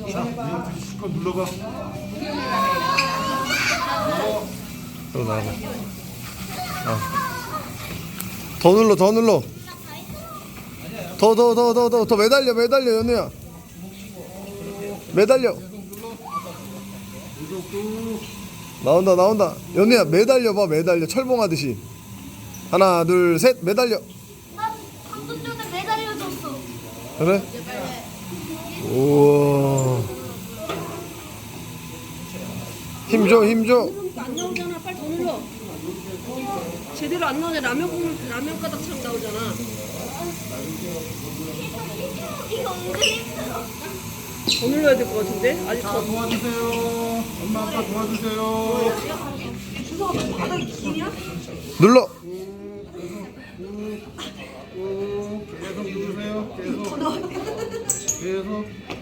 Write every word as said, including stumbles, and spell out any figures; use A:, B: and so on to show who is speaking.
A: 자, 이거 실컷 눌러봐.
B: 또 나가. 어. 더 눌러, 더 눌러. 더, 더, 더, 더, 더, 더 매달려, 매달려, 연우야. 매달려. 나온다, 나온다. 연우야, 매달려 봐, 매달려. 철봉하듯이. 하나, 둘, 셋, 매달려.
C: 나 방금 전에 매달려줬어.
B: 그래? 우와. 힘 줘, 힘 줘.
D: 안 나오잖아. 빨리 더 눌러. 제대로 안 나오네. 라면 국물 라면 가닥처럼 나오잖아.
C: 이거 은근히 힘들어.
D: 더 눌러야 될 것 같은데? 아직
A: 자,
D: 더.
A: 도와주세요. 엄마 아빠 도와주세요.
B: 눌러.
A: 꾹, 계속 누르세요. 계속. 계속.